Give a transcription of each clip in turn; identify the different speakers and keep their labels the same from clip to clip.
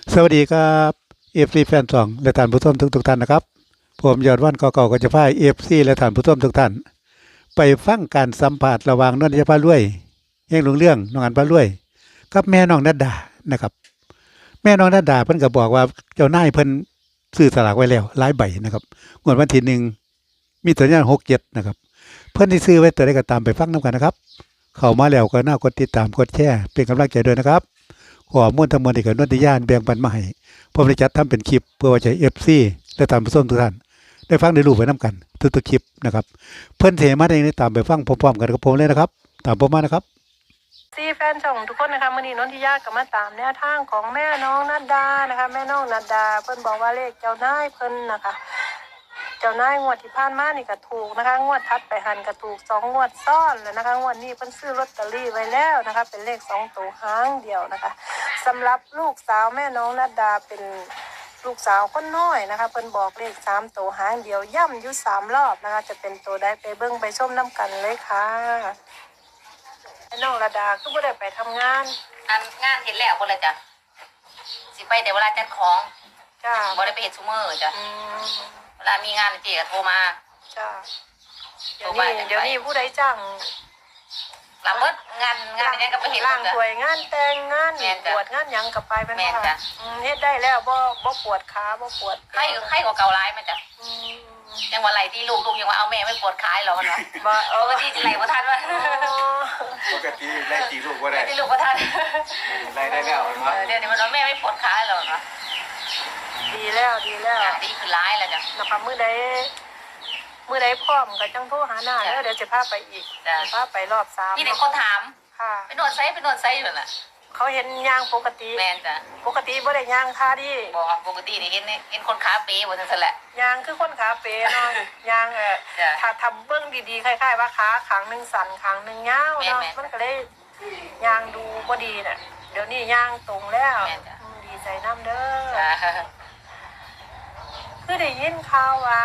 Speaker 1: สวัสดีครับเอฟซีแฟนสองและท่านผู้ชมทุกท่านนะครับผมยอดวันเก่าๆก็จะพาเอฟซีและท่านผู้ชมทุกท่านไปฟังการสัมภาษณ์ระหว่างนนทยาพารวยเฮงหลวงเรื่องน้องอันพารวยกับแม่น้องนัดดานะครับแม่น้องนัดดาเพิ่นก็บอกว่าเจ้านายเพิ่นซื้อสลากไว้แล้วหลายใบนะครับงวดวันที่หนึ่งมีตัวอย่าง67นะครับเพิ่นที่ซื้อไว้ตัวใดก็ตามไปฟังนํกันนะครับเข้ามาแล้วก็น่ากดติดตามกดแชร์เป็นกำลังใจด้วยนะครับข้อมูลทั้งหมดที่กับนนทยานแบ่งปันมาให้ ผมได้จัดทำเป็นคลิปเพื่อว่าจะเอฟซีและตามผู้ชมทุกท่านได้ฟังได้รู้ไปน้ำกันทุกๆคลิปนะครับเพื่อนเทมาได้ตามไปฟังพร้อมๆกันกับผมเลยนะครับตามผมมานะครับ
Speaker 2: แฟนช่องทุกคนนะคะมื้อนี้นนทิยาก็มาตามแนวทางของแม่น้องนัดดานะคะแม่น้องนัดดาเพิ่นบอกว่าเลขเจ้านายเพิ่นนะคะเจ้านายงวดที่ผ่านมานี่ก็ถูกนะคะงวดทัดไปหันก็ถูก2งวดซ้อนแล้วนะคะงวดนี้เพิ่นซื้อลอตเตอรี่ไว้แล้วนะคะเป็นเลข2ตัวหางเดียวนะคะสำหรับลูกสาวแม่น้องนัดดาเป็นลูกสาวคนน้อยนะคะเพิ่นบอกเลข3ตัวหางเดียวย่ำอยู่3รอบนะคะจะเป็นตัวใดไปเบิ่งไปชมน้ำกันเลยค่ะน้องระดาคือบ่ได้ไปทำงาน
Speaker 3: งานเห็นแล้วบ่เลยจ้ะสิไปแต่เวลาจัดของ
Speaker 2: จ้า
Speaker 3: บ่ได้ไปเฮ็ดซุมื้อจ้ะเวลามีงานเจ๊ก็โทรมา
Speaker 2: จ้าเดี๋ยวนี้ผู้ใดจ้าง
Speaker 3: รับเบิดงานยังก็ไปเฮ็ด
Speaker 2: ล้างถ้วยงานแต่งงานปวดงานหยังก็ไปเป็นค่ะเฮ็ดได้แล้วบ่ปวดขาบ่ปวด
Speaker 3: ไข้กว่าเก่าหลายมั้ยจ้ะยังว่าไหลที่ลูกยังว่าเอาแม่ไม่ปวดขาหรอกเนาะบ่ปกติสิไหลบ่ทันว่า
Speaker 4: ปกติไล่ตีลูกบ่ได้
Speaker 3: ที่ลูกบ่ทัน
Speaker 4: ไล่ได้แล้วเนาะ
Speaker 3: เดี๋ยวนี้มันว่าแม่ไม่ปวดขาหรอกเนาะ
Speaker 2: ดีแล้วดี
Speaker 3: คือร้ายแล้วจ้ะ
Speaker 2: นะคะมื้อใดพร้อมก็จังโทรหาหน้าแล้วเดี๋ยวจะพาไปอีกพาไปรอบ3
Speaker 3: มีแต่คนถาม
Speaker 2: ค่ะ
Speaker 3: ไปนวดไซอยู่นั่นน่ะ
Speaker 2: เขาเห็นย่างปกติ
Speaker 3: แม่นจ้ะ
Speaker 2: ปกติบ่ได้ย่างท่าดี
Speaker 3: บ่ปกตินี่เห็นคนขาเป๋บ่ซั่นแหละ
Speaker 2: ย่างคือคนขาเป๋เนาะย่างถ้าทำเบื้องดีๆคล้ายๆว่าขาข้างนึงสั่นข้างนึงยาวเนาะมันก็เลยย่างดูบ่ดีน่ะเดี๋ยวนี้ย่างตรงแล้วดีใจนำเด้อคือได้ยินข่าวว่า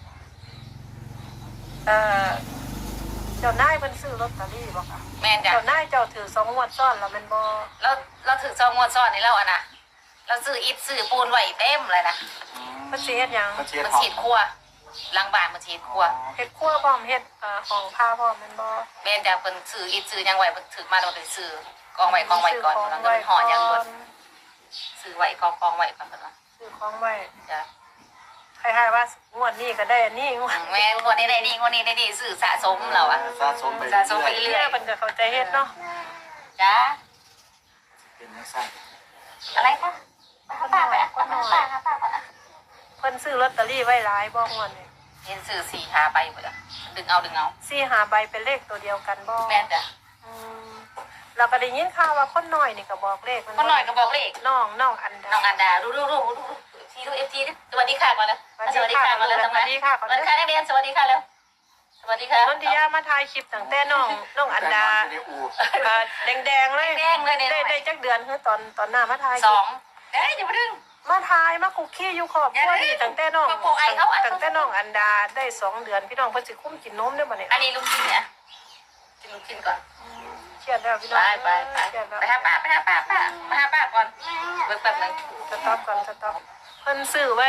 Speaker 2: เจ้านายเพิ่นซื้อลอตเตอรี่บ่ค่ะ
Speaker 3: แม่นจ้ะ
Speaker 2: เจ้านายเจ้าถือ2งวดซ้อนแล้วแม่นบ่
Speaker 3: เราถือ2งวดซ้อนนี่แล้วอ่ะนะเราซื้ออิฐซื้อปูนไว้เต็มเลยนะ
Speaker 2: เพิ่นสิเฮ็ดหยัง
Speaker 3: มันฉีดครัวหลังบ้านมันฉีดครัว
Speaker 2: เฮ็ดครัวพร้อมเฮ็ดของผ้าพร้อมแม่นบ่
Speaker 3: แม่นจ้ะเพิ่นซื้ออิฐซื้อหยังไว้เพิ่นถือมาแล้วเพิ่นซื้อกองไว้ก่อนแล้วก็ห่อหยังเพิ่นซื้อไว้กองไว้ก่อนเพิ่นว่า
Speaker 2: ซื้อของไว้
Speaker 3: จ้ะ
Speaker 2: คล้ายๆว่างวดนี้ก็ได้อันนี้งวด
Speaker 3: แม่งวดนี้ได้นี่งวดนี้ได้ดีซื้อสะสมแล้วอ่ะ
Speaker 4: สะสมไป
Speaker 3: เรื่อย
Speaker 2: เพิ่นก็เข้าใจเฮ็ดเนาะ
Speaker 3: จ้ะ
Speaker 4: เป็นจังซั่น
Speaker 3: อะไรคะป้าไปป้า
Speaker 2: เพิ่นซื้อลอตเตอรี่ไว้หลายบ่งวดนี้
Speaker 3: เห็นซื้อ4-5ใบหมดอ่ะดึงเอา
Speaker 2: 4-5ใบเป็นเลขตัวเดียวกันบ่
Speaker 3: แม่นจ้ะ
Speaker 2: เราก็ได้ยินข่าวว่าคนน้อยนี่ก็บอกเลข
Speaker 3: คนน้อยก็บอกเลข
Speaker 2: น้องอัน
Speaker 3: ดาดูFT สวัสดีค่ะก่อนแล้วสวัสดีค่ะก่อนแล้วสวัสดีค่ะนักเรียนสวัสดีค่ะแล้วสวัสดีค่ะ
Speaker 2: นนทิยามาถ่ายคลิปตั้งแต่น้องอันดาแดงเลยได้จักเดือนคือตอนหน้ามาถ่าย
Speaker 3: 2อย่ามาดึง
Speaker 2: มาถ่ายมาคุกกี้อยู่ขอบครัวนี่ตั้งแต่น้องอันดาได้2เดือนพี่น้องเพิ่นสิคุ้มกินนมได้บ่เนี่ย
Speaker 3: อันนี้ลูกชิ้นเนี่ยกินลูกชิ้นก่อน
Speaker 2: เชียดแล้วพี่น้อง
Speaker 3: ไปหาป้าก่อนเบิ่งแป๊บนึง
Speaker 2: สต็อปเพิ่นซื้อไว้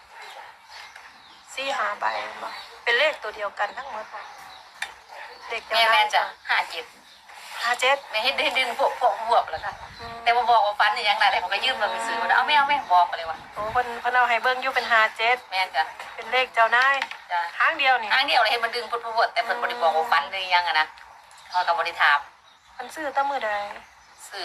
Speaker 2: 4-5ใบบ่เป็นเลขตัวเดียวกันทั้งหมด
Speaker 3: เด็กแม่จ้ะ57ไม่ให้ดึงพวกบวบแล้วค่ะแต่บ่บอกว่าฟันนี่ยังไงแต่ผมก็ยืมมาไปซื้อเอาแม่บอกไปเลยว่า
Speaker 2: โอ้เพิ่นเอาให้เบิ่งอยู่เป็น57
Speaker 3: แม่จ้ะ
Speaker 2: เป็นเลขเจ้านาย
Speaker 3: จ้ะ
Speaker 2: ทางเดียวนี่
Speaker 3: ทางเดียวเลยให้มันดึงพวดแต่เพิ่นบ่ได้บอกว่าฟันเลยยังอ่ะนะเขาก็บ่ได้ถาม
Speaker 2: เพิ่นซื้อตั้งมื้อใด
Speaker 3: ซื้อ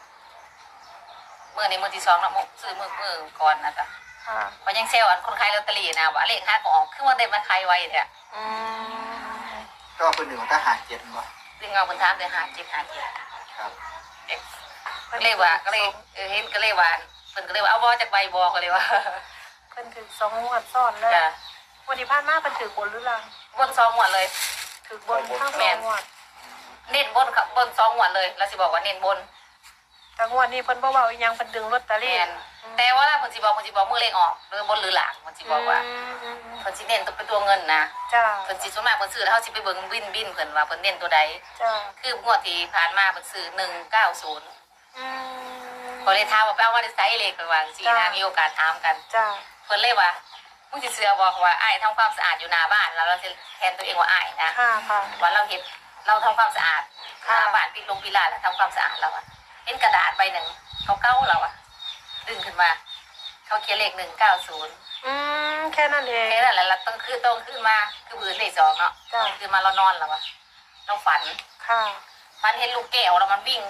Speaker 3: มื้อนี้มื้อที่2แล้วซื้อมื้อก่อนนะจ๊ะมันยังเซลล์คนขายลอตเตอรี่นะว่าเลข5ก็ออกคือว่าได้มาขายไว้แท้
Speaker 4: ก็เพิ่นนึงก็หา7บ่
Speaker 3: ซึ่งเอาเพิ่นถามได้57
Speaker 4: ครับ
Speaker 3: ก็เลยว่าก็เลยเห็นก็เลยว่าเพิ่นก็เลยว่าเอาบ่จักใบบ่ก็เลยว่า
Speaker 2: เพิ่นถึง2งวดซ้อนเลยวันที่ผ่านมาเพิ่นถือบนหรือล่าง
Speaker 3: บน2งวดเลย
Speaker 2: ถือบนทั้ง2งวด
Speaker 3: เน้นบนครับบน2งวดเลยแล้วสิบอกว่าเน้นบน
Speaker 2: แต่งวดนี้เพิ่นบ่เว้าอีหยังเพิ่นดึงลอตเตอรี่
Speaker 3: แต่ว่าเพิ่นสิบอกมื้อเลขออกหรือบนหรือหลังเพิ่นสิบอกว่าเพิ่นสิเน้นตัวเป็นตัวเงินนะ
Speaker 2: จ้า
Speaker 3: เพิ่นสิส่วนมากเพิ่นซื้อแล้วเฮาสิไปเบิ่งบินเพิ่นว่าเพิ่นเน้นตัวใด
Speaker 2: จ้า
Speaker 3: คืองวดที่ผ่านมาเพิ่นซื้อ190 ก็เลยถามว่าไปเอามาได้ไซเลขไปวางสีนะมีโอกาสถามกัน
Speaker 2: จ้า
Speaker 3: เพิ่นเลยว่ามึงสิเชื่อบอกว่าอ้ายทำความสะอาดอยู่หน้าบ้านแล้วเราจะแทนตัวเองว่าอ้ายนะ
Speaker 2: ค่ะค่ะ
Speaker 3: ว่าเราเห็นเราทำความสะอาดห
Speaker 2: ค่ะ
Speaker 3: น้าบ้านปิดลงปิดลานแล้วทำความสะอาดเราอะเห็นกระดาษใบหนึ่งเขาเก้าเราอะดึงขึ้นมา เขาเขียนเลข190
Speaker 2: แค่นั้นเอง
Speaker 3: แค่นั้นแหละเราต้องขึ้นมาคือบืนเลข2เนาะ
Speaker 2: จ้ะ
Speaker 3: คือมาเรานอนแล้วอะเราฝัน
Speaker 2: ค่ะ
Speaker 3: ฝันเห็นลูกแก้วแล้วมันวิ่ง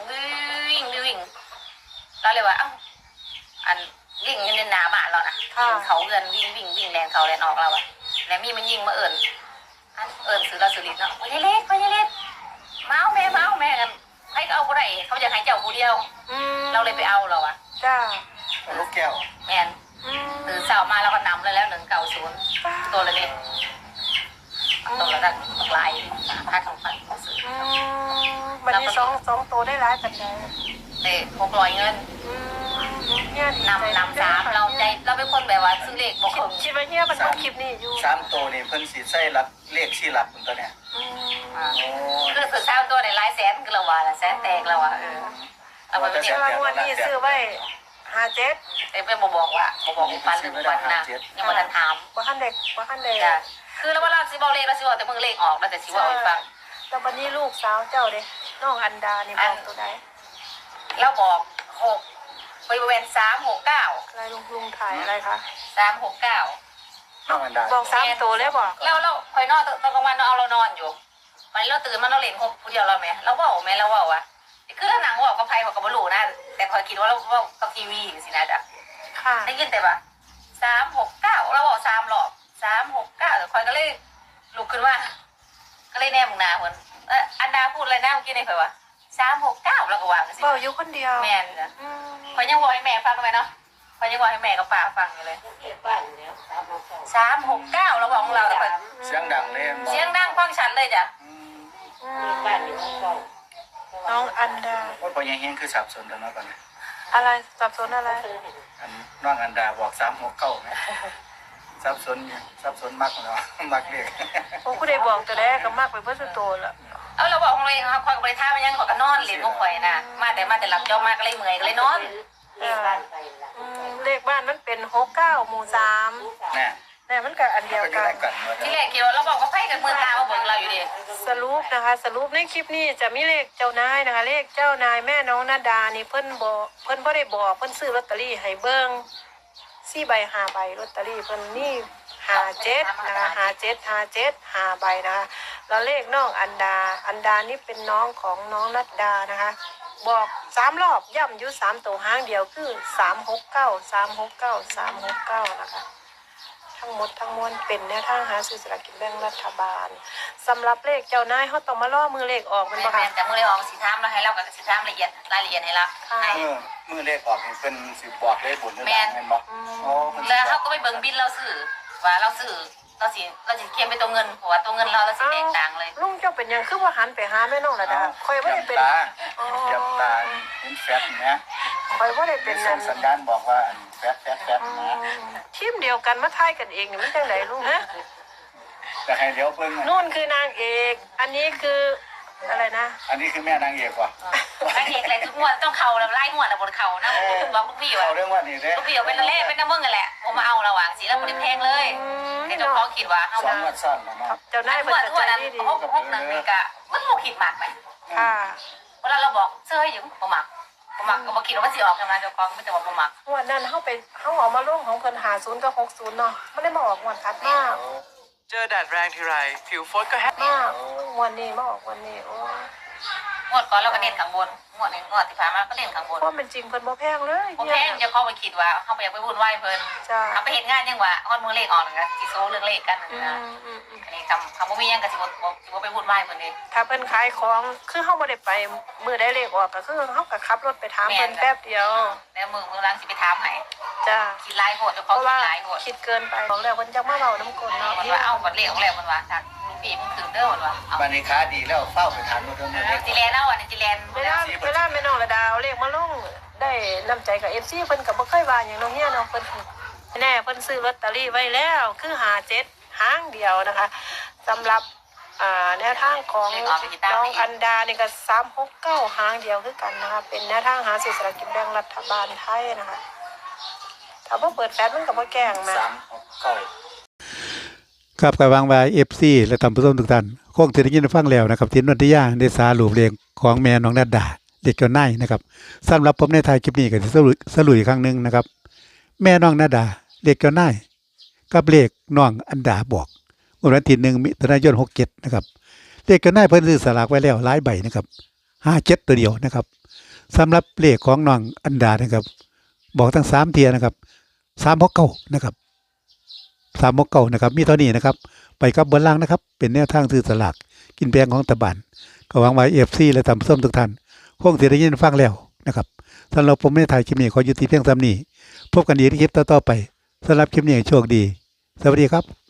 Speaker 3: เราเลยว่าเอ้าอันวิ่งอยู่ในหน้าบ้านเรานะวิ่งเขาเงินวิ่งแรงเขาแรงออกเราอะแล้วมีมันยิงมาเอิญซื้อเราซื้อลิ้นเนาะไปเล็กเมาแม่กันให้ก็เอาผู้ใดเขาจะให้เจ้าผู้เดียว เราเลยไปเอาเราอะ
Speaker 2: จ้า
Speaker 4: ลูกแก้ว
Speaker 3: แม่นตื่นเช้ามาเราก็นำเลยแล้ว190ตัวเลยเนี่ยตัวละตั้งหลายพันซื้อ
Speaker 2: วันนี้สองตัวได้ร้ายปัจจัย
Speaker 3: เด็ก600เงิน
Speaker 2: เนี่ยดีใจ
Speaker 3: นำ3เราใจเราเป็นคนแบบว่าซื้อเลขบอก
Speaker 2: คิดว่าเนี่ยมันต้องคลิปนี้อยู่
Speaker 4: 3ตัวนี่เพิ่นสิใส่รักเลข4หลักตัวเนี่ยโอ้
Speaker 3: คือซื้อ3ตัวในหลายแสนคือเราว่าละแสนแตกเราว่าเอาไปเนี่ย
Speaker 2: รางวัลนี้ซื้อไว้57
Speaker 3: แต่เพื่อนบอกว่าฟันหรือฟันนะยังมาทันถาม
Speaker 2: บ่ทันเด็ก
Speaker 3: จ้ะคือแล้วว่าเราสิบอกเลขเราสิบอกแต่มึงเลขออกเราจะสิบอกให้ฟัง
Speaker 2: แต่วันนี้ลูกสาวเจ้าเด้น้องอันดานี่บอกตัวใด
Speaker 3: เราบอก6บริเวณ369
Speaker 2: อะไรลุงถ่ายอะไรคะ
Speaker 3: 369
Speaker 4: น้องอันดา
Speaker 2: บอก3ตัวเลยบอก
Speaker 3: เราคอยนอนตอนกลางวันเอาเรานอนอยู่มันเราตื่นมาเราเล่นคนเดียวเราไหมเราว่าไหมเราว่าคือถ้าหนังว่ากับไพ่กับกระบลูนะแต่คอยคิดว่าเราว่ากับทีวีสินะจ๊ะ
Speaker 2: ค่ะ
Speaker 3: ได้ยินแต่ว่า369เราบอก3 รอบ369แต่คอยก็เลยลุกขึ้นว่าก็เลยแนมหน้าเหมือนอันดาพูดอะไรนะเมื่อกี้ในคอยว่า369เราก็วางสิ
Speaker 2: เบาอยู่คนเดียว
Speaker 3: แม่นะคอยยังบอกให้แม่ฟังไหมเนาะคอยยังบอกให้แม่กับป้าฟังอยู่เลย369เราบอกของเราแต่คอย
Speaker 4: เสียงดังเลย
Speaker 3: เสียงดังฟังชัดเลยจ้ะ
Speaker 2: น้องอันดา
Speaker 4: ว่าพอยังเฮงคือสับสนแล้วเนาะตอนนี้
Speaker 2: อะไรสับสนอะไร
Speaker 4: น้องอันดาบอก369นะสับสนมากเนาะมักเลข
Speaker 2: ผมก็ได้บอกตัวแรกก็มากไปเพื่อสุดโตแล้ว
Speaker 3: เอาเราบอกของเราเองครับคอยกับบริท่ามันยังขอกันนอนเหรียญของข่อยนะมาแต่หลับจอมาก็เลยเมื่อยก็เลยนอน
Speaker 2: เลขบ้านมันเป็น69หมู่3
Speaker 4: น่ะ
Speaker 2: เนี่ยมันก็อันเดียว
Speaker 4: ก็อยู่
Speaker 2: กัน
Speaker 4: ได้กันเนาะ
Speaker 3: ที่แรกเกี่ยวเราบอกว่าไพ่กับมือตามาเบิ่งเราอยู่ดิ
Speaker 2: สรุปนะคะ สรุปในคลิปนี้จะมีเลขเจ้านายนะคะ เลขเจ้านายแม่น้องนาดานี่เพิ่นบ่ได้บอกเพิ่นซื้อลอตเตอรี่ให้เบิ่ง4 ใบ 5 ใบลอตเตอรี่เพิ่นนี่57นะคะ57 5ใบนะคะแล้วเลขน้องอันดานี่เป็นน้องของน้องนัดดานะคะ บอก3 รอบย่ำอยู่3ตัวหางเดียวคือ369นะคะ ทั้งหมดทั้งมวลเป็นแนวทางหาซื้อสลากกินแบ่งรัฐบาลสำหรับเลขเจ้านายเขาต้องมาล่อมือเลขออกมัน
Speaker 3: แม่
Speaker 2: บ่ค่ะ
Speaker 3: แต่มือเลยออกสีทามเราให้เรากับสีทามละเอียดรายละเอียดให้ละ
Speaker 4: มือเลขออกนี่เป็นสิบบอกเลขบุญหรือเปล่าแม่นบ่โอ้มัน
Speaker 3: แล้วเขาก็ไปเบิ่งบินเราซื้อว่าเราซื้อเราสิเขียนไปตัวเงินเพราะว่าตัวเงินเราสิแตกต่างเลย
Speaker 2: ลุงเจ้าเป็นหยังคือว่าหันไปหาแม่น้องระดาคอยว่าได้เป็น
Speaker 4: เทียบตาเห็นแฟตนะ
Speaker 2: คอยว่าได้เป็น
Speaker 4: ส่
Speaker 2: นั่
Speaker 4: ง
Speaker 2: น
Speaker 4: สัญญาณบอกว่าแฟตนะ
Speaker 2: ทีมเดียวกันมาทายกันเองนี่มันจังไดลุงฮะ
Speaker 4: จะให้เดี๋ยวเพิ่ง
Speaker 2: นู่นคือนางเอก อันนี้คืออะไรนะ
Speaker 4: อันนี้คือแม่นางเอกว่ะ
Speaker 3: ไอ้เอกอะไรทุกงวดต้องเข่าแล้วไล่งวดแล้วบนเข่านะบอกลูกพี่ว่า
Speaker 4: เอาเรื่องว่านี่เด้
Speaker 3: ลูกพี่เป็นเล่เป็นน้ำมึงกันแหละผมมาเอาระหว่างสีแล้วบริแพงเลยในตัวเขาคิดว่าเอา
Speaker 4: สองงวดซ้อนแล้วเนาะ
Speaker 2: เจ้านาย
Speaker 3: ง
Speaker 2: เพิ่
Speaker 3: วด
Speaker 2: น
Speaker 3: งวด
Speaker 2: ใจ
Speaker 3: นั้น
Speaker 2: ดี
Speaker 3: หกหนึ่งนี่กะมันบ่คิดมากไหม
Speaker 2: ค่ะ
Speaker 3: เวลาเราบอกเสื้ออยู่บ่มักก็บ่คิดว่ามันสิออกกันมาเจ้าของไม่แต่ว่าบ่มัก
Speaker 2: งวดนั้นเฮาไปเฮาเอามาลงของเพิ่น50กับ60เนาะมันได้มาออกงวดถัดมา
Speaker 5: เจอแดดแรงทีไร ผิวฟดก็แห้ง
Speaker 2: มากงวดนี้มาออกวันนี้โอ้
Speaker 3: งวดก่อนเราก็เน้นข้างบนงวดนี้งวดที่ผ่านมาก็เน้นข้างบน
Speaker 2: ความเป็นจริงเพิ่นบ่แพงเลย
Speaker 3: บ่แพงเจ้าของไปคิดว่าเขาไปอยากไปวุ่นวายเพิ่น
Speaker 2: จ้า
Speaker 3: เอาไปเฮ็ดงานจังว่าฮอดมือเลขออกนั่นก็สิโซเรื่องเลขกันนั่นนะอันนี้คำบ่มีหยังก็สิบ่ไปวุ่นวายเพิ่นเด้
Speaker 2: ถ้าเพิ่นขายของคือเฮาบ่ได้ไปมื้อใดเลขออกก็คือเฮาก็ขับรถไปถามเพิ่นแป๊บเดียว
Speaker 3: แล้วมือหลังสิไปถามให้
Speaker 2: จ้า
Speaker 3: คิดหลายโหดเจ้าข
Speaker 2: เพ
Speaker 3: อง
Speaker 2: ราะ
Speaker 3: คิ
Speaker 2: ว่า
Speaker 3: ดหลายโหด
Speaker 2: คิดเกินไปบอกแล้วเพิ่นจักมาเว้าน้ำกลเนาะ
Speaker 3: มันว่าเอาบัดเลขของแล้วมันว่าจากลูกพี่มึงถึงเด้อมันว่าเอา
Speaker 4: บันนี้ค้าดีแล้วเฝ้าไปทานมาเรื่องนี้
Speaker 3: จิแลนเอาอันนี้จิแลน
Speaker 2: เวลาแม่น้องระดาเอาเลขมาลงได้น้ำใจกับ FC เพิ่นก็บ่เคยว่าหยังเนาะเฮียเนาะเพิ่นแน่เพิ่นซื้อลอตเตอรี่ไว้แล้วคือ57หางเดียวนะคะสำหรับแนวทางของน้องอันดานี่ก็369หางเดียวคือกันนะคะเป็นแนวทางหาซื้อสลากกินแบ่งรัฐบาลไทยนะคะถ้าบ่เปิดแฟลชมันก็บ่แกล้งแม่
Speaker 4: 369
Speaker 1: ครับกับวางไว้ FC และท่านผู้ชมทุกท่านคงจะได้ยินได้ฟังแล้วนะครับที่นนทิยาได้สารุปเลขของแม่น้องนัดดาเด็กเจ้านายนะครับสำหรับผมในท้ายคลิปนี้ก็จะสรุปอีกครั้งหนึงนะครับแม่น้องนัดดาเด็กเจ้านายกับเลขน้องอันดาบอกวันที่1มิถุนายน67นะครับเลขเจ้านายเพิ่นซื้อสลากไว้แล้วหลายใบนะครับ57ตัวเดียวนะครับสำหรับเลขของน้องอันดานะครับบอกทั้ง3เทียนะครับ369นะครับ369นะครับมีเท่านี้นะครับไปกับบนล่างนะครับเป็นแนวทางซื้อสลากกินแบ่งของรัฐบาลก็หวังไว้ FC และท่านผู้ชมทุกท่านคงสิได้ยินฟังแล้วนะครับสำหรับผมในถ่ายคลิปนี้ขอยุติเพียงเท่านี้พบกันอีกในคลิปต่อๆไปสำหรับคลิปนี้โชคดีสวัสดีครับ